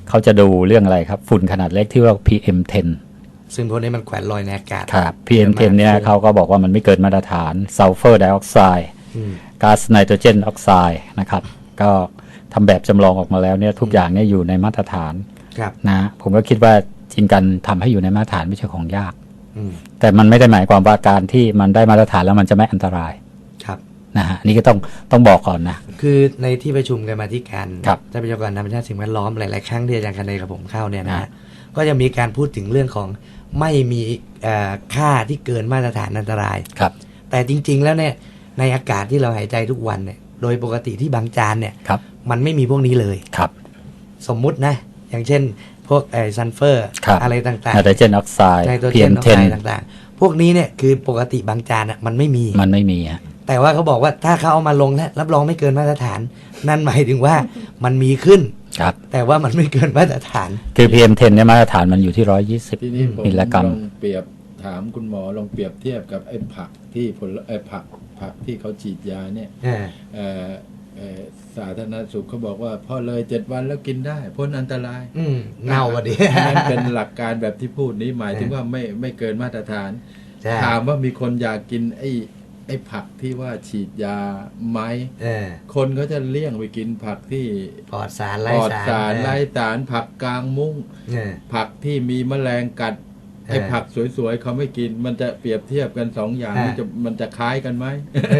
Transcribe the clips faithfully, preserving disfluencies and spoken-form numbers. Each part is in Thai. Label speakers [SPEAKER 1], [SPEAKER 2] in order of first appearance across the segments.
[SPEAKER 1] เขาจะดูเรื่องอะไรครับฝุ่นขนาดเล็กที่เรียกว่า พี เอ็ม สิบ
[SPEAKER 2] ซึ่งพวกนี้มันแขวนลอยในอากาศ
[SPEAKER 1] ครับ พี เอ็ม สิบ เนี่ยเขาก็บอกว่ามันไม่เกินมาตรฐานซัลเฟอร์ไดออกไซด์ก๊าซไนโตรเจนออกไซด์นะครับก็ทำแบบจำลองออกมาแล้วเนี่ยทุกอย่างเนี่ยอยู่ในมาตรฐานนะผมก็คิดว่าจริงกันทำให้อยู่ในมาตรฐานไม่ใช่ของยากแต่มันไม่ได้หมายความว่าการที่มันได้มาตรฐานแล้วมันจะไม่อันตราย
[SPEAKER 2] ครับ
[SPEAKER 1] นะฮะนี่ก็ต้องต้องบอกก่อนนะ
[SPEAKER 2] คือในที่ประชุมกันมาที่การทรัพยากรธรรมชาติสิ่งแวดล้อมหลายๆครั้งที่อาจารย์คเนย์กับผมเข้าเนี่ยนะก็จะมีการพูดถึงเรื่องของไม่มีค่าที่เกินมาตรฐานอันตราย
[SPEAKER 1] ครับ
[SPEAKER 2] แต่จริงๆแล้วเนี่ยในอากาศที่เราหายใจทุกวันเนี่ยโดยปกติที่บางจานเนี่ยมันไม่มีพวกนี้เลย
[SPEAKER 1] ครับ
[SPEAKER 2] สมมุตินะอย่างเช่นพวกไอ้ซัลเฟอร์อะไรต่างๆไน
[SPEAKER 1] โตรเจนออกไซด์
[SPEAKER 2] พี เอ็ม สิบ ต่างๆพวกนี้เนี่ยคือปกติบางจานอ่ะมันไม่มี
[SPEAKER 1] มันไม่มีฮะ
[SPEAKER 2] แต่ว่าเขาบอกว่าถ้าเขาเอามาลงแล้วรับรองไม่เกินมาตรฐานนั่นหมายถึงว่ามันมีขึ้น
[SPEAKER 1] ครับ
[SPEAKER 2] แต่ว่ามันไม่เกินมาตรฐาน
[SPEAKER 1] คือ พี เอ็ม สิบ เนี่ยมาตรฐานมันอยู่ที่หนึ่งร้อยยี่สิบมิลลิกรัม
[SPEAKER 3] ลองเปรียบถามคุณหมอลองเปรียบเทียบกับไอ้ผักที่ผลไอ้ผักผักที่เขาฉีดยาเนี่ยเอ่อสาธารณสุขเขาบอกว่าพอเลยเจ็ดวันแล้วกินได้พ้นอันตราย
[SPEAKER 2] เน่าอ่ะดิ
[SPEAKER 3] นั่นเป็นหลักการแบบที่พูดนี้หมายถึงว่าไม่ไม่เกินมาตรฐานถามว่ามีคนอยากกินไอ้ไอ้ผักที่ว่าฉีดยาไหมคนก็จะเลี่ยงไปกินผักที่
[SPEAKER 2] ปลอดสารไร้
[SPEAKER 3] สารไร้สารผักกลางมุ้งผักที่มีแมลงกัดไอ้ผักสวยๆเขาไม่กินมันจะเปรียบเทียบกันสองอย่างมันจะมันจะคล้ายกันไหม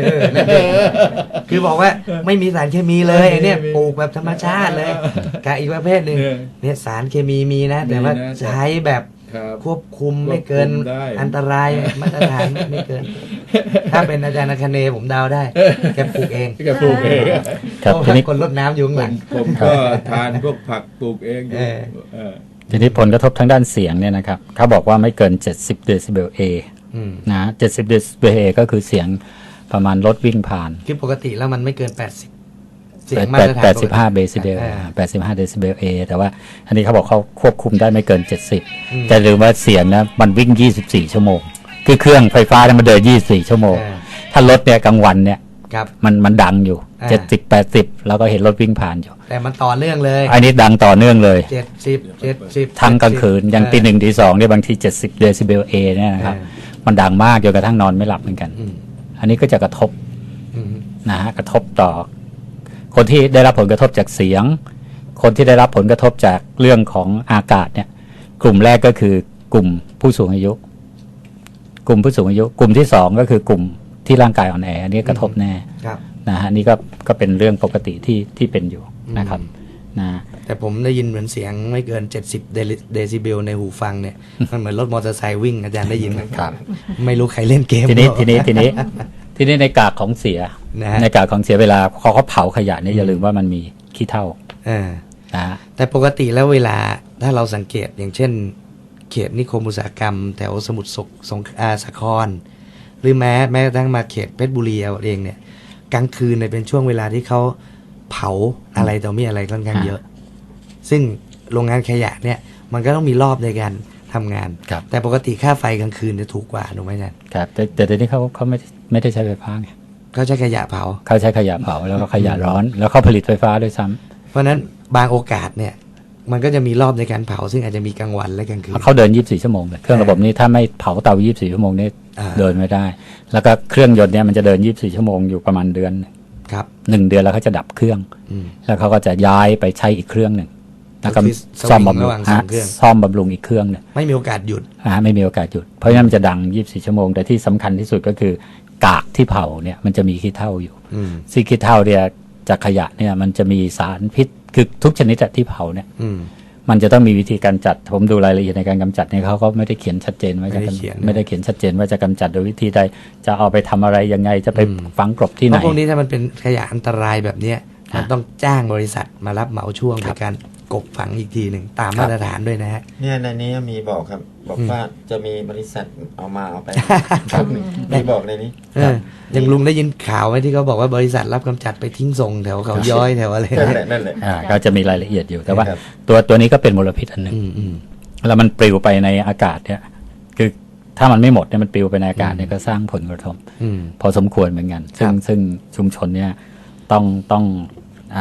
[SPEAKER 2] คือบอกว่าไม่มีสารเคมีเลยเนี่ยปลูกแบบธรรมชาติเลยกับอีกประเภทหนึ่งเนี่ยสารเคมีมีนะแต่ว่าใช้แบบควบคุมไม่เกินอันตรายมาตรฐานไม่เกินถ้าเป็นอาจารย์คเนย์ผมเดาได้แกปลูกเอง
[SPEAKER 3] แกปลูกเอง
[SPEAKER 1] ครับทีนี้
[SPEAKER 2] คนรดน้ำอยู่ข้างหลัง
[SPEAKER 3] ผมก็ทานพวกผักปลูกเองอยู่
[SPEAKER 1] ทีนี้ผลกระทบทางด้านเสียงเนี่ยนะครับเขาบอกว่าไม่เกินเจ็ดสิบเดซิเบล A นะเจ็ดสิบเดซิเบล A ก็คือเสียงประมาณรถวิ่งผ่าน
[SPEAKER 2] คือปกติแล้วมันไม่เกินแปดสิบเสียง
[SPEAKER 1] มาตรฐานแปดสิบห้าเดซิเบลแปดสิบห้าเดซิเบล A แต่ว่าอันนี้เขาบอกเขาควบคุมได้ไม่เกินเจ็ดสิบแต่หรือว่าเสียงนะมันวิ่งยี่สิบสี่ชั่วโมงคือเครื่องไฟฟ้าเนี่ยมันเดินยี่สิบสี่ชั่วโมงถ้ารถเนี่ยกลางวันเนี่ยมันมันดังอยู่เจ็ดสิบ แปดสิบแล้วก็เห็นรถวิ่งผ่านอยู่
[SPEAKER 2] แต่มันต่อเนื่องเลย
[SPEAKER 1] อันนี้ดังต่อเนื่องเลย
[SPEAKER 2] เจ็ดสิบ เจ็ดสิบ
[SPEAKER 1] ทั้งกลางคืนอย่างตีหนึ่งตีสองเนี่ยบางทีเจ็ดสิบเดซิเบล A เนี่ยนะครับมันดังมากจนกระทั่งนอนไม่หลับเหมือนกันอันนี้ก็จะกระทบนะฮะกระทบต่อคนที่ได้รับผลกระทบจากเสียงคนที่ได้รับผลกระทบจากเรื่องของอากาศเนี่ยกลุ่มแรกก็คือกลุ่มผู้สูงอายุกลุ่มผู้สูงอายุกลุ่มที่สองก็คือกลุ่มที่ร่างกายอ่อนแออันนี้กระทบแน่นะฮะนี่ก็ก็เป็นเรื่องปกติที่ที่เป็นอยู่นะครับนะ
[SPEAKER 2] แต่ผมได้ยินเหมือนเสียงไม่เกินเจ็ดสิบเดซิเบลในหูฟังเนี่ยมันเหมือนรถมอเตอร์ไซค์วิ่งอาจารย์ได้ยินไหม
[SPEAKER 1] ครับ
[SPEAKER 2] ไม่รู้ใครเล่นเกม
[SPEAKER 1] ทีนี้ทีนี้ทีนี้ทีนี้ในกากของเสียในกากของเสียเวลาเขาเขาเผาขยะเนี่ยอย่าลืมว่ามันมีขี้เถ้า
[SPEAKER 2] นะแต่ปกติแล้วเวลาถ้าเราสังเกตอย่างเช่นเขตนิคมอุตสาหกรรมแถวสมุทรสงครามสาครหรือแม้แม้กระทั่งมาเขตเพชรบุรีเอาเองเนี่ยกลางคืนเนี่ยเป็นช่วงเวลาที่เขาเผาอะไรต่อมีอะไรค่อนข้างเยอะซึ่งโรงงานขยะเนี่ยมันก็ต้องมีรอบในการทำงานแต่ปกติค่าไฟกลางคืนจะถูกกว่าถูกไหมอาจารย์
[SPEAKER 1] ครับแต่แต่เดี๋ยวนี้เขาเขาไม่ไม่ได้ใช้ไฟฟ้าไง
[SPEAKER 2] เขาใช้ขยะเผา
[SPEAKER 1] เขาใช้ขยะเผาแล้วก็ขยะร้อนแล้วเขาผลิตไฟฟ้าด้วยซ้ำ
[SPEAKER 2] เพราะนั้นบางโอกาสเนี่ยมันก็จะมีรอบในการเผาซึ่งอาจจะมีกลางวันและกลางคืน
[SPEAKER 1] เขาเดินยี่สิบสี่ชั่วโมงเลยเครื่องระบบนี้ถ้าไม่เผาเตายี่สิบสี่ชั่วโมงนี่เดินไม่ได้แล้วก็เครื่องยนต์เนี่ยมันจะเดินยี่สิบสี่ชั่วโมงอยู่ประมาณเดือน
[SPEAKER 2] ครับ
[SPEAKER 1] หนึ่งเดือนแล้วเขาจะดับเครื่องแล้วเขาก็จะย้ายไปใช้อีกเครื่องหนึ่งแล้วก็ซ่อมบำรุงซ่อมบำรุงอีกเครื่องเนี่ย
[SPEAKER 2] ไม่มีโอกาสหยุด
[SPEAKER 1] อ่าไม่มีโอกาสหยุดเพราะฉะนั้นมันจะดังยี่สิบสี่ชั่วโมงแต่ที่สำคัญที่สุดก็คือกากที่เผาเนี่ยมันจะมีขี้เถ้าอยู่ซึ่งขี้เถ้าเนี่ยจากขยะเนี่ยมันจะมีสารพิษคือทุกชนิดที่เผาเนี่ยมันจะต้องมีวิธีการจัดผมดูรายละเอียดในการกำจัดเนี่ยเขาก็ไม่ได้เขียนชัดเจนว่าจะไม่ได้เขียนชัดเจนว่าจะกำจัดโดยวิธีใดจะเอาไปทำอะไรยังไงจะไปฝังกลบที่ไหน
[SPEAKER 2] เพราะพวกนี้ถ้ามันเป็นขยะอันตรายแบบนี้มันต้องจ้างบริษัทมารับเหมาช่วงในการกบฝังอีกทีหนึ่งตามมาตรฐานด้วยนะฮะ
[SPEAKER 4] เนี่ยในนี้มีบอกครับบอกว่าจะมีบริษัทเอามาเอาไปมีบอกในนี้
[SPEAKER 2] อย่างลุงได้ยินข่าวไหมที่เขาบอกว่าบริษัทรับกำจัดไปทิ้งส่งแถวเขาย้อยแถวอะไร
[SPEAKER 4] นั่นแหละนั่นแหละ
[SPEAKER 1] ก็จะมีรายละเอียดอยู่แต่ว่าตัวตัวนี้ก็เป็นมลพิษอันหนึ่งแล้วมันปลิวไปในอากาศเนี่ยคือถ้ามันไม่หมดเนี่ยมันปลิวไปในอากาศเนี่ยก็สร้างผลกระทบพอสมควรเหมือนกันซึ่งซึ่งชุมชนเนี่ยต้องต้องอะไร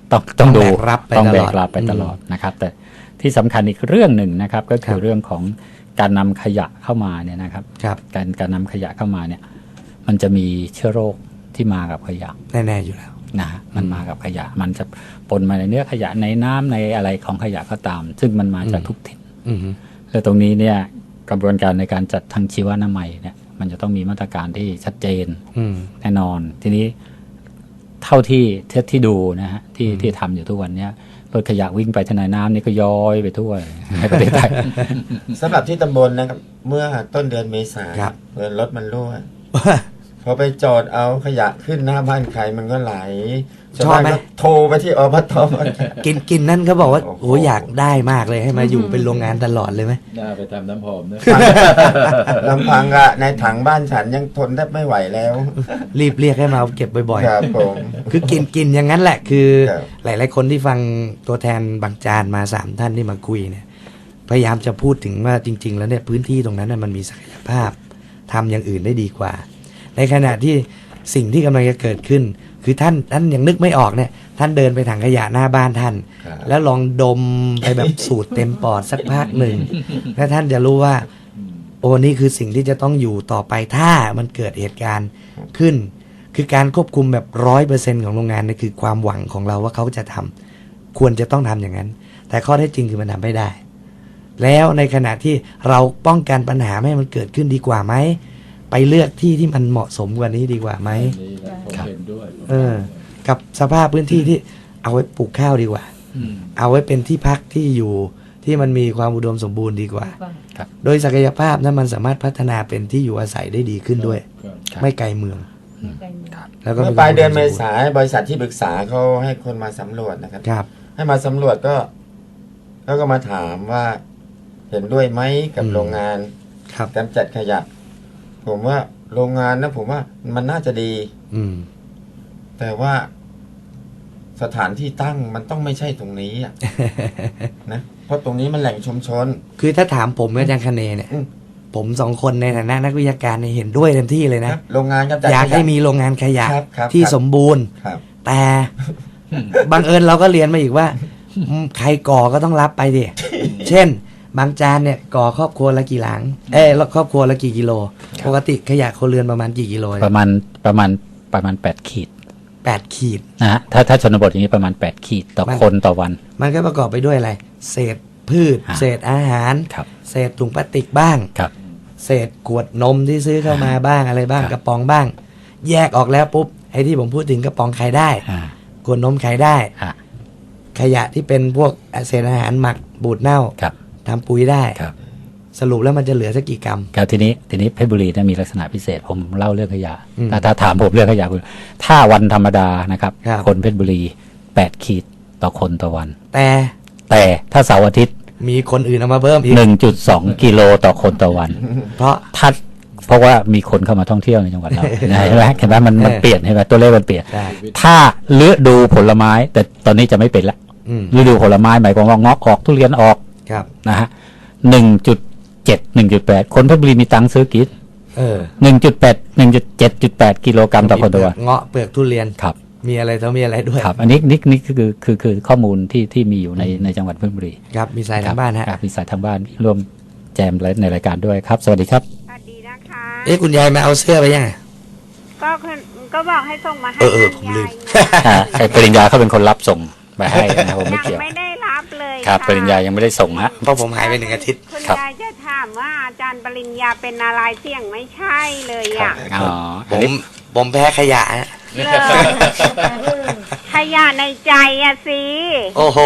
[SPEAKER 1] ต้องต้องดู
[SPEAKER 2] แบกรับไป
[SPEAKER 1] ต้อง
[SPEAKER 2] ต
[SPEAKER 1] แบ
[SPEAKER 2] ลอด
[SPEAKER 1] กรับไปตลอดนะครับ แต่ที่สำคัญอีกเรื่องหนึ่งนะครับ ก็คือเรื่องของการนำขยะเข้ามาเนี่ยนะครับ
[SPEAKER 2] ครับ
[SPEAKER 1] การการนำขยะเข้ามาเนี่ย มันจะมีเชื้อโรคที่มากับขยะ
[SPEAKER 2] แน่ๆอยู่แล้ว
[SPEAKER 1] นะฮะมันมากับขยะ มันจะปนมาในเนื้อขยะในน้ำในอะไรของขยะก็ตาม ซึ่งมันมาจากทุกถิ่น
[SPEAKER 2] อือฮึ
[SPEAKER 1] แล้วตรงนี้เนี่ยกระบวนการในการจัดทางชีวนามัยเนี่ยมันจะต้องมีมาตรการที่ชัดเจน
[SPEAKER 2] อืม
[SPEAKER 1] แน่นอน ทีนี้เท่าที่เท่าที่ดูนะฮะที่ที่ทำอยู่ทุกวันเนี้ยรถขยะวิ่งไปทางไหนน้ำนี่ก็ย้อยไปทั่วในประเทศไทย
[SPEAKER 4] สำหรับที่ตำบลนะครับ เมื่อต้นเดือนเมษา
[SPEAKER 2] ครับ
[SPEAKER 4] เมื่อรถมันรั่วพอไปจอดเอาขยะขึ้นหน้าบ้านใครมันก็ไหล
[SPEAKER 2] ชอบไหม
[SPEAKER 4] าวานก็โทรไปที่อพท
[SPEAKER 2] กินกินนั่นเขาบอกว่า
[SPEAKER 4] โอ้โห
[SPEAKER 2] โอ้อยากได้มากเลยให้มาอยู่เป็นโรงงานตลอดเลยไหม
[SPEAKER 3] น่าไปทำน้ำหอมนะ
[SPEAKER 4] ลำพังอะในถังบ้านฉันยังทนแทบไม่ไหวแล้ว
[SPEAKER 2] รีบเรียกให้มาเอาเก็บบ่อย
[SPEAKER 4] ครับผม
[SPEAKER 2] ๆ คือกินกินอย่างนั้นแหละคือ
[SPEAKER 4] ครับ
[SPEAKER 2] หลายๆคนที่ฟังตัวแทนบางจานมาสามท่านที่มาคุยเนี่ย พยายามจะพูดถึงว่าจริง ๆ แล้วเนี่ยพื้นที่ตรงนั้นน่ะมันมีศักยภาพทำอย่างอื่นได้ดีกว่า ในขณะที่สิ่งที่กำลังจะเกิดขึ้น คือท่านท่านยังนึกไม่ออกเนี่ย ท่านเดินไปถังขยะหน้าบ้านท่าน
[SPEAKER 4] ครับ
[SPEAKER 2] แล้วลองดมไปแบบสูดเต็มปอดสักพักหนึ่งแล้วท่านจะรู้ว่า โอ้นี่คือสิ่งที่จะต้องอยู่ต่อไปถ้ามันเกิดเหตุการณ์ขึ้น คือการควบคุมแบบร้อยเปอร์เซ็นของโรงงานนี่คือความหวังของเราว่าเขาจะทำควรจะต้องทำอย่างนั้น แต่ข้อเท็จจริงคือมันทำไม่ได้ แล้วในขณะที่เราป้องกันปัญหาไม่ให้มันเกิดขึ้นดีกว่าไหมไปเลือกที่ที่มันเหมาะสมกว่านี้ดีกว่าไหม
[SPEAKER 3] นี่แหละผมเห็นด้วย
[SPEAKER 2] เออ กับสภาพพื้นที่ที่เอาไว้ปลูกข้าวดีกว่า
[SPEAKER 3] ม
[SPEAKER 2] เอาไว้เป็นที่พักที่อยู่ที่มันมีความอุดมสมบูรณ์ดีกว่า
[SPEAKER 1] ครับ
[SPEAKER 2] โดยศักยภาพนั้นมันสามารถพัฒนาเป็นที่อยู่อาศัยได้ดีขึ้นด้วย
[SPEAKER 3] ครับ
[SPEAKER 1] ครับ
[SPEAKER 2] ไม่ไกลเมือง แล้วก็
[SPEAKER 4] เมื่อปลายเดือนเมษาบริษัทที่ปรึกษาเขาให้คนมาสำรวจนะครับ
[SPEAKER 2] ครับ
[SPEAKER 4] ให้มาสำรวจก็แล้วก็มาถามว่าเห็นด้วยไหมกับโรงงาน
[SPEAKER 2] ครับ
[SPEAKER 4] กำจัดขยะ ผมว่าโรงงานนะผมว่ามันน่าจะดี
[SPEAKER 2] อืม
[SPEAKER 4] แต่ว่าสถานที่ตั้งมันต้องไม่ใช่ตรงนี้อะ นะเพราะตรงนี้มันแหล่งชุมชน
[SPEAKER 2] คือถ้าถามผมกับอาจารย์คเนเนี่ย
[SPEAKER 4] อืม
[SPEAKER 2] ผมสองคนในฐานะนักวิชาการเนี่ยเห็นด้วยเต็มที่เลย
[SPEAKER 4] ค
[SPEAKER 2] นะ
[SPEAKER 4] รับโรงงานกำจัด
[SPEAKER 2] อยาก
[SPEAKER 4] ข
[SPEAKER 2] ให้
[SPEAKER 4] ยะ
[SPEAKER 2] มีโรงงานขยะ
[SPEAKER 4] ครับครับ
[SPEAKER 2] ที่
[SPEAKER 4] ครับ
[SPEAKER 2] สมบูรณ์
[SPEAKER 4] ครับ
[SPEAKER 2] แต่บังเอิญเราก็เรียนมาอีกว่าอืมใครก่อก็ต้องรับไปดิ เช่น บางจานเนี่ยก่อครอบครัวละกี่หลัง เอ้ยครอบครัวละกี่กิโล ปกติขยะครัวเรือนประมาณกี่กิโล
[SPEAKER 1] ประมาณประมาณประมาณแปดขีด
[SPEAKER 2] แปดขีด
[SPEAKER 1] นะฮะถ้าถ้าชนบทอย่างนี้ประมาณแปดขีดต่อ
[SPEAKER 2] มัน
[SPEAKER 1] คนต่อวัน
[SPEAKER 2] มันก็ประกอบไปด้วยอะไร เศษพืช
[SPEAKER 1] อ่า
[SPEAKER 2] เศษอาหาร
[SPEAKER 1] ครับ
[SPEAKER 2] เศษถุงพลาสติกบ้าง
[SPEAKER 1] ครับ
[SPEAKER 2] เศษขวดนมที่ซื้อเข้ามาบ้างอะไรบ้าง
[SPEAKER 1] ครับ
[SPEAKER 2] กระป๋องบ้าง แยกออกแล้วปุ๊บไอ้ที่ผมพูดถึงกระป๋องขายได้
[SPEAKER 1] อ่า
[SPEAKER 2] ขวดนมขายได้
[SPEAKER 1] อ่า
[SPEAKER 2] ขยะที่เป็นพวกเศษอาหารหมักบูดเน่า
[SPEAKER 1] ครับ
[SPEAKER 2] ทำปุ๋ยได้
[SPEAKER 1] ครับ
[SPEAKER 2] สรุปแล้วมันจะเหลือสักกี่กรัม
[SPEAKER 1] ครับทีนี้ทีนี้เพชรบุรีเนี่ยมีลักษณะพิเศษผมเล่าเรื่องขยะ
[SPEAKER 2] อืม
[SPEAKER 1] ถ้าถ้าถามผมเรื่องขยะคือถ้าวันธรรมดานะครับ
[SPEAKER 2] ครับ
[SPEAKER 1] คนเพชรบุรีแปดขีดต่อคนต่อวัน
[SPEAKER 2] แต่
[SPEAKER 1] แต่ถ้าเสาร์อาทิตย์
[SPEAKER 2] มีคนอื่นเอามาเพิ่มอีก
[SPEAKER 1] หนึ่งจุดสองกิโลต่อคนต่อวัน
[SPEAKER 2] เพราะ
[SPEAKER 1] ถ้าเพราะว่ามีคนเข้ามาท่องเที่ยวในจังหวัดเรา นะเห็นไหมเห็นไหมมันมัน
[SPEAKER 2] เออ
[SPEAKER 1] เปลี่ยนเห็นไหมตัวเลขมันเปลี่ยน
[SPEAKER 2] ได้
[SPEAKER 1] ถ้าฤดูผลไม้ แต่ตอนนี้จะไม่เป็นละ
[SPEAKER 2] อืม
[SPEAKER 1] ฤดูผลไม้หมายความว่าเงาะออกทุเรียนออก
[SPEAKER 2] ครับ
[SPEAKER 1] นะฮะหนึ่งจุดเจ็ดหนึ่งจุดแปดคนเพชรบุรีมีตังค์ซื้อกิน
[SPEAKER 2] เออ
[SPEAKER 1] หนึ่งจุดแปดหนึ่งจุดเจ็ดจุดแปดกิโลกรัมต่อคนต่อวัน
[SPEAKER 2] เงาะเปลือกทุเรียน
[SPEAKER 1] ครับ
[SPEAKER 2] มีอะไรต้องมีอะไรด้วย
[SPEAKER 1] ครับ อันนี้นี่นี่คือคือคือข้อมูลที่ที่มีอยู่ในในจังหวัดเพชรบุรี
[SPEAKER 2] ครับมีสายทางบ้านฮะ
[SPEAKER 1] ครับมีสายทางบ้านร่วมแจมและในรายการด้วยครับ สวัสดีครับ
[SPEAKER 5] สวัสดีนะคะ
[SPEAKER 2] เอ๊ะคุณยายมาเอาเสื้อไปยังไง
[SPEAKER 5] ก็คือก็บอกให้ส่งมาให้
[SPEAKER 2] เออเออ
[SPEAKER 5] คุณ
[SPEAKER 2] ผมลืม
[SPEAKER 5] ยายนะ
[SPEAKER 1] อ่าไอ้ปริญญาเขาเป็นคนรับส่งไปให้นะผมไม่
[SPEAKER 5] ยัง
[SPEAKER 1] เกี่ยว
[SPEAKER 5] ไม่ได้รับเลย
[SPEAKER 1] ครับ
[SPEAKER 5] ะ
[SPEAKER 1] ปริญญายังไม่ได้ส่งฮะ
[SPEAKER 2] เพราะผมหายไปหนึ่งอาทิตย์
[SPEAKER 5] คุณ
[SPEAKER 1] ครับ
[SPEAKER 5] ยายจะถามว่าอาจารย์ปริญญาเป็นอะไรเสี่ยงไม่ใช่เลยอ่ะ
[SPEAKER 1] อ๋อ
[SPEAKER 2] ผ
[SPEAKER 1] อัน
[SPEAKER 2] ม
[SPEAKER 1] นี้
[SPEAKER 2] ผมแพ้ขยะฮะ
[SPEAKER 5] เลยขยะในใจอะสิ
[SPEAKER 2] โอ้โห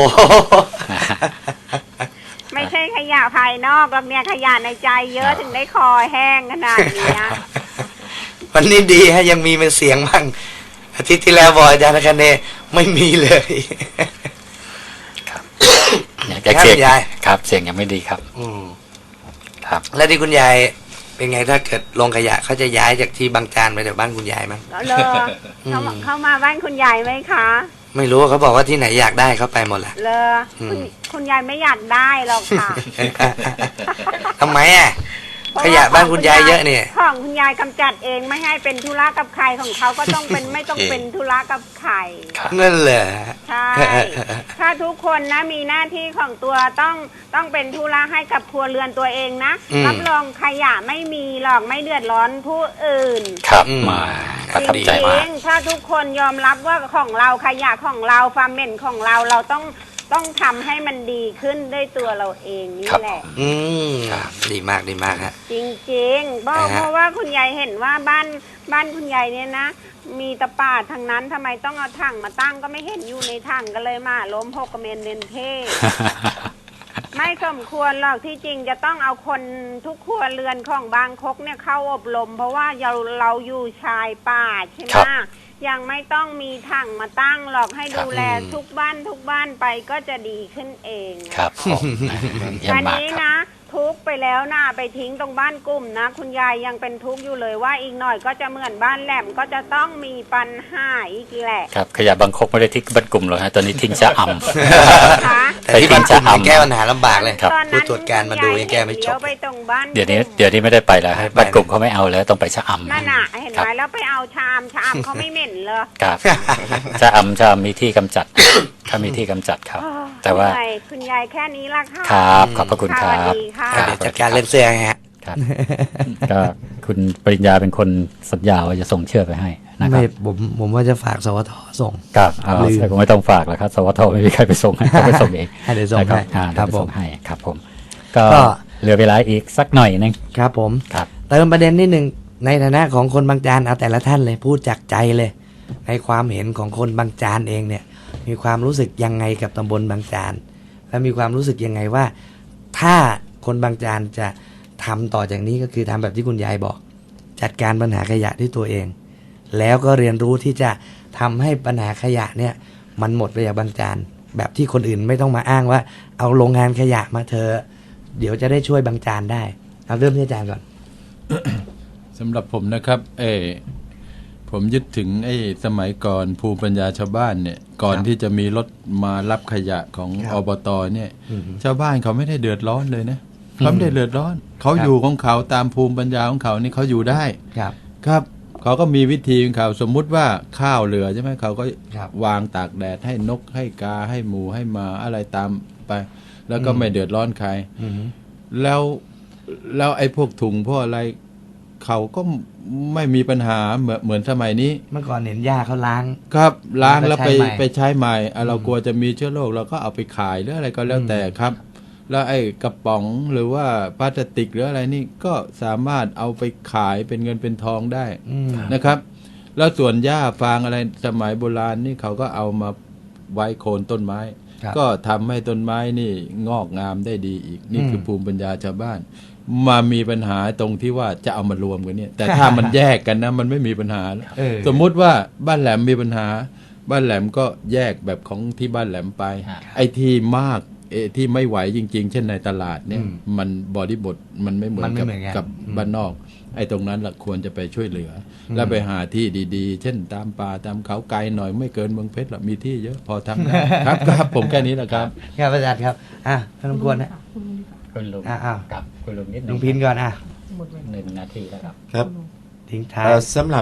[SPEAKER 5] ไม่ใช่ขยะภายนอกหรอกเนี่ยขยะในใจเยอะถึงได้คอแห้งขนาดเนี้ย
[SPEAKER 2] วันนี้ดีฮะยังมีเป็นเสียงบ้างอาทิตย์ที่แล้วบอกอาจารย์คะเนไม่มีเลย
[SPEAKER 1] เนี่ยแกเสียง
[SPEAKER 2] ครับยาย
[SPEAKER 1] ครับเสียงยังไม่ดีครับ
[SPEAKER 2] อืม
[SPEAKER 1] ครับ
[SPEAKER 2] แล้วที่คุณยายเป็นไงถ้าเกิดลงขยะเขาจะย้ายจากที่บางจานไปแถวบ้านคุณยายมั้ง
[SPEAKER 5] เลอเขามาเข้ามาบ้านคุณยายไหมคะ
[SPEAKER 2] ไม่รู้เขาบอกว่าที่ไหนอยากได้เขาไปหมดแหละ
[SPEAKER 5] เลอคุณ
[SPEAKER 2] อืม
[SPEAKER 5] คุณยายไม่อยากได้หรอกค่ะ
[SPEAKER 2] ทำไมอ่ะขยะบ้านคุณยายเยอะเนี่ย
[SPEAKER 5] ของคุณยายกำจัดเองไม่ให้เป็นธุระกับใครของเขาก็ต้องเป็น ไม่ต้องเป็นธุระกับใคร
[SPEAKER 2] นั่นแหละ
[SPEAKER 5] ใช่ ถ้าทุกคนนะมีหน้าที่ของตัวต้องต้องเป็นธุระให้กับครัวเรือนตัวเองนะรับรองขยะไม่มีหรอกไม่เดือดร้อนผู้อื่น
[SPEAKER 1] ครับมาประทับใจมาก
[SPEAKER 5] จริงๆถ้าทุกคนยอมรับว่าของเราขยะของเราความเหม็นของเราเราต้องต้องทำให้มันดีขึ้นด้วยตัวเราเองนี่แหละ
[SPEAKER 2] อืมดีมากดีมากฮะ
[SPEAKER 5] จริงๆเพราะ
[SPEAKER 2] อ่าฮะ
[SPEAKER 5] เพราะว่าคุณยายเห็นว่าบ้านบ้านคุณยายเนี่ยนะ มีตะป่าทางนั้นทำไมต้องเอาถังมาตั้งก็ไม่เห็นอยู่ในถังก็เลยมาล้มหกกระเมนเดนเท ไม่สมควรหรอกที่จริงจะต้องเอาคนทุกครัวเรือนของบางคกเนี่ยเข้าอบรม เพราะว่าเราเราอยู่ชายป่าใช่ไหม
[SPEAKER 1] ครับ
[SPEAKER 5] ยังไม่ต้องมีถังมาตั้งหรอกให้
[SPEAKER 1] ครับ
[SPEAKER 5] ดูแลทุกบ้านทุกบ้านไปก็จะดีขึ้นเอง
[SPEAKER 1] ครับผมเยี่ยม
[SPEAKER 5] อัน
[SPEAKER 1] มาก
[SPEAKER 5] นี้
[SPEAKER 1] ครับ
[SPEAKER 5] นะทุกข์ไปแล้วนะไปทิ้งตรงบ้านกลุ่มนะ คุณยายยังเป็นทุกข์อยู่เลยว่าอีกหน่อยก็จะเหมือนบ้านแหลมก็จะต้องมีปัญหาอีกแหละ
[SPEAKER 1] ครับขยะบางคกไม่ได้ทิ้งบ้านกลุ่มหรอกฮะตอนนี้ทิ้งชะอำ
[SPEAKER 5] คะ
[SPEAKER 2] แต่ที่บ้านคุณแก้ปัญหาลำบากเลย
[SPEAKER 1] ครับ
[SPEAKER 5] ตอนนั้น
[SPEAKER 2] ผู้ตรวจการมาดูยังแก้ไม่จบ
[SPEAKER 5] เลี้ยวไปตรงบ้าน
[SPEAKER 1] เดี๋ยวนี้เดี๋ยวนี้ไม่ได้ไปแล้วฮะ
[SPEAKER 2] ไม่ไป
[SPEAKER 1] บ้านกลุ่มเขาไม่เอาแล้วต้องไปชะอำ
[SPEAKER 5] นั่นน่ะเห็น
[SPEAKER 1] ครั
[SPEAKER 5] ไหม
[SPEAKER 1] บ
[SPEAKER 5] แล้วไปเอาชามชามเขาไม่เหม็นเลย
[SPEAKER 1] ครับชะอำชะอำมีที่กำจัด ถ้ามีที่กำจัดครับ แต่ว่า
[SPEAKER 5] คุณยายคุณยายแค่นี้ละค่ะ
[SPEAKER 1] ครับขอบพระคุณค
[SPEAKER 5] ส
[SPEAKER 1] รั
[SPEAKER 5] วัส
[SPEAKER 1] บ
[SPEAKER 5] ดีค่ะ
[SPEAKER 1] ครับ
[SPEAKER 2] เดี๋ยวจัดการเรื่องเสื้อให้ฮะ
[SPEAKER 1] ครับ ก็คุณปริญญาเป็นคนสัญญาว่าจะส่งเชือกไปให้นะครั
[SPEAKER 2] ไม่
[SPEAKER 1] บ
[SPEAKER 2] ผมผมว่าจะฝากสวทส่ง
[SPEAKER 1] ครับเอา
[SPEAKER 2] ลืม
[SPEAKER 1] คงไม่ต้องฝากแล้วครับสวทไม่มีใครไปส่งให้เขาไปส่งเอง
[SPEAKER 2] ให้เดี๋ยวส่ง
[SPEAKER 1] นะครั
[SPEAKER 2] ให้
[SPEAKER 1] อ่า
[SPEAKER 2] ครับ
[SPEAKER 1] เดี๋ยวไปส่ง
[SPEAKER 2] ผม
[SPEAKER 1] ให้ครับผม ก็
[SPEAKER 2] ก็
[SPEAKER 1] เหลือเวลาอีกสักหน่อยนึง
[SPEAKER 2] ครับผม
[SPEAKER 1] ครับ
[SPEAKER 2] เติมประเด็นนิดหนึ่งในฐานะของคนบางจานเอาแต่ละท่านเลยพูดจากใจเลย ในความเห็นของคนบางจานเองเนี่ย มีความรู้สึกยังไงกับตำบลบางจานและมีความรู้สึกยังไงว่า ถ้าคนบางจานจะทำต่อจากนี้ก็คือทำแบบที่คุณยายบอก จัดการปัญหาขยะด้วยตัวเอง แล้วก็เรียนรู้ที่จะทำให้ปัญหาขยะเนี่ย มันหมดไปจากบางจานแบบที่คนอื่นไม่ต้องมาอ้างว่า เอาโรงงานขยะมาเถอะเดี๋ยวจะได้ช่วยบางจานได้เอาเริ่มที่อาจารย์ก่อน
[SPEAKER 3] สำหรับผมนะครับ เออผมยึดถึงไอ้สมัยก่อนภูมิปัญญาชาวบ้านเนี่ย ก่อน
[SPEAKER 2] ครับ
[SPEAKER 3] ที่จะมีรถมารับขยะของ
[SPEAKER 2] ครับ
[SPEAKER 3] อบตเนี่ย
[SPEAKER 2] อืม
[SPEAKER 3] ชาวบ้านเขาไม่ได้เดือดร้อนเลยนะเขาไม่ได้เดือดร้อน เขา
[SPEAKER 2] ครับ
[SPEAKER 3] อยู่ของเขาตามภูมิปัญญาของเขานี่เขาอยู่ได้
[SPEAKER 2] ครับ
[SPEAKER 3] ครับเขาก็มีวิธีของเขาสมมุติว่าข้าวเหลือใช่ไหมเขาก็
[SPEAKER 2] ครับ
[SPEAKER 3] วางตากแดดให้นกให้กาให้หมูให้หมาอะไรตามไป แล้วก็
[SPEAKER 2] อืม
[SPEAKER 3] ไม่เดือดร้อนใคร
[SPEAKER 2] อืม
[SPEAKER 3] แล้วแล้วไอ้พวกถุงพวกอะไรเขาก็ไม่มีปัญหาเหมือนเหมือนสมัยนี้
[SPEAKER 2] เมื่อก่อนเห็นย่าเขาล้าง
[SPEAKER 3] ครับล้าง
[SPEAKER 2] แล้
[SPEAKER 3] แล้ว ว
[SPEAKER 2] ก็
[SPEAKER 3] ไป
[SPEAKER 2] ใช้ใหม่
[SPEAKER 3] ไปใช้ใหม่อ่ะเรา
[SPEAKER 2] อืม
[SPEAKER 3] กลัวจะมีเชื้อโรคเราก็เอาไปขายหรืออะไรก็แล้วแต่ครับ แล้วไอ้กระป๋องหรือว่าพลาสติกหรืออะไรนี่ก็สามารถเอาไปขายเป็นเงินเป็นทองได้
[SPEAKER 2] อืม
[SPEAKER 3] นะครับ แล้วส่วนหญ้าฟางอะไรสมัยโบราณนี่เขาก็เอามาไว้โคนต้นไม้
[SPEAKER 2] ครับ
[SPEAKER 3] ก็ทำให้ต้นไม้นี่งอกงามได้ดีอีก นี่
[SPEAKER 2] อืม
[SPEAKER 3] คือภูมิปัญญาชาวบ้าน มามีปัญหาตรงที่ว่าจะเอามารวมกันเนี่ย แต่ถ้ามันแยกกันนะมันไม่มีปัญหา
[SPEAKER 2] เออ
[SPEAKER 3] สมมุติว่าบ้านแหลมมีปัญหา บ้านแหลมก็แยกแบบของที่บ้านแหลมไป ไอ้ที่มากเออที่ไม่ไหวจริง ๆ เช่นในตลาดเนี่ย
[SPEAKER 2] อืม
[SPEAKER 3] มันบริบทมันไม่เหมือ
[SPEAKER 2] มัน นไม่
[SPEAKER 3] กับ
[SPEAKER 2] เหมือนกัน
[SPEAKER 3] กับ
[SPEAKER 2] อืม
[SPEAKER 3] บ้านนอก ไอ้ตรงนั้นละควรจะไปช่วยเหลืออแล้วไปหาที่ดีๆ เช่นตามป่าตามเขาไกลหน่อยไม่เกินเมืองเพชรหรอกมีที่เยอะพอทำได้ ครับครับผมแค่นี้แหละครับ
[SPEAKER 2] ครับอาจารย์ครับ อ่ะท่านรบกวนนะ
[SPEAKER 1] คุณลุง
[SPEAKER 2] อ่าอ้าว
[SPEAKER 1] ครับคุณลุงนิดห
[SPEAKER 2] ลุ
[SPEAKER 1] นึ่
[SPEAKER 2] ง
[SPEAKER 1] ง
[SPEAKER 2] พินก่อนอ่ะ
[SPEAKER 1] หนึ่งนาทีแล้วครับ
[SPEAKER 4] ครับ
[SPEAKER 2] ทิ้งท้าย
[SPEAKER 4] เอ่อสำหรับ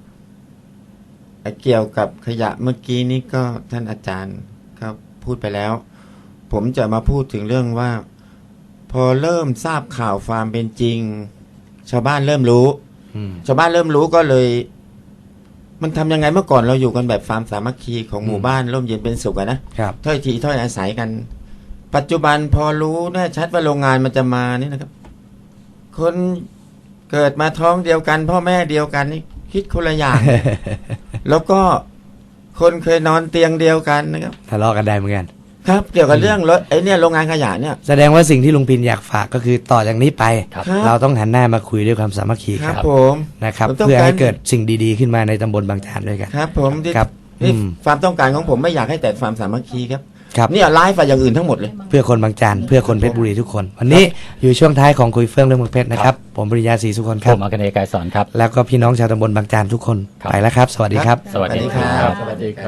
[SPEAKER 4] เกี่ยวกับขยะเมื่อกี้นี้ก็ท่านอาจารย์ก็พูดไปแล้ว ผมจะมาพูดถึงเรื่องว่า พอเริ่มทราบข่าวความเป็นจริง ชาวบ้านเริ่มรู้
[SPEAKER 2] อืม
[SPEAKER 4] ชาวบ้านเริ่มรู้ก็เลย มันทำยังไงเมื่อก่อนเราอยู่กันแบบฟาร์มสามัคคีของหมู่บ้านร่มเย็นเป็นสุขอะนะครับ ถ้อยทีถ้อยอาศัยกัน ปัจจุบันพอรู้แน่ชัดว่าโรงงานมันจะมานี่นะครับ คนเกิดมาท้องเดียวกัน พ่อแม่เดียวกันนี่คิดคนละอย่าง แล้วก็คนเคยนอนเตียงเดียวกันนะครับ
[SPEAKER 2] ทะเลาะกันได้เหมือนกัน
[SPEAKER 4] ครับ เกี่ยวกับเรื่องรถไอ้เนี่ยโรงงานขยะเนี่ย
[SPEAKER 2] แสดงว่าสิ่งที่ลุงพินอยากฝากก็คือต่อจากนี้ไป
[SPEAKER 1] ครับ
[SPEAKER 2] เราต้องหันหน้ามาคุยด้วยความสามัคคี
[SPEAKER 4] ค
[SPEAKER 2] ค
[SPEAKER 4] รั
[SPEAKER 2] รั
[SPEAKER 4] บบ ผม
[SPEAKER 2] นะครับ
[SPEAKER 4] ผมต้อง
[SPEAKER 2] เพื่อให้
[SPEAKER 4] การ
[SPEAKER 2] เกิดสิ่งดีๆขึ้นมาในตำบลบางจานด้วยกัน
[SPEAKER 4] ครับ ผมที่
[SPEAKER 2] ครับ
[SPEAKER 4] นี่
[SPEAKER 2] อืม
[SPEAKER 4] ความต้องการของผมไม่อยากให้แต่ฟาร์มสามัคคีครับ
[SPEAKER 2] ครับ
[SPEAKER 4] เนี่ยไลฟ์ไปอย่างอื่นทั้งหมดเลย
[SPEAKER 2] เพื่อคนบางจานเพื่อคนเพชรบุรีทุกคน วันนี้อยู่ช่วงท้ายของคุยเฟื่องเรื่องเมืองเพชรนะครับ ผมปริญญาศรีสุคนค
[SPEAKER 1] ผ
[SPEAKER 2] รับ
[SPEAKER 1] มอัคเนย์กายสอนครับ
[SPEAKER 2] แล้วก็พี่น้องชาวตำบลบางจานทุกคน
[SPEAKER 1] ครับ
[SPEAKER 2] ไปแล้วครับ สวัสดีครับ
[SPEAKER 1] สวัสดีค
[SPEAKER 4] สวัสดีครั
[SPEAKER 1] รับ บ
[SPEAKER 3] สวัสดีครับ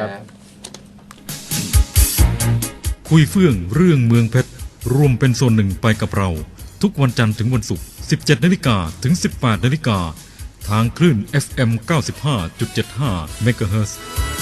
[SPEAKER 6] คุยเฟื่องเรื่องเมืองเพชรร่วมเป็นส่วนหนึ่งไปกับเราทุกวันจันทร์ถึงวันศุกร์ สิบเจ็ดนาฬิกา ถึง สิบแปดนาฬิกา ทางคลื่น เอฟ เอ็ม เก้าสิบห้าจุดเจ็ดห้า เมกะเฮิรตซ์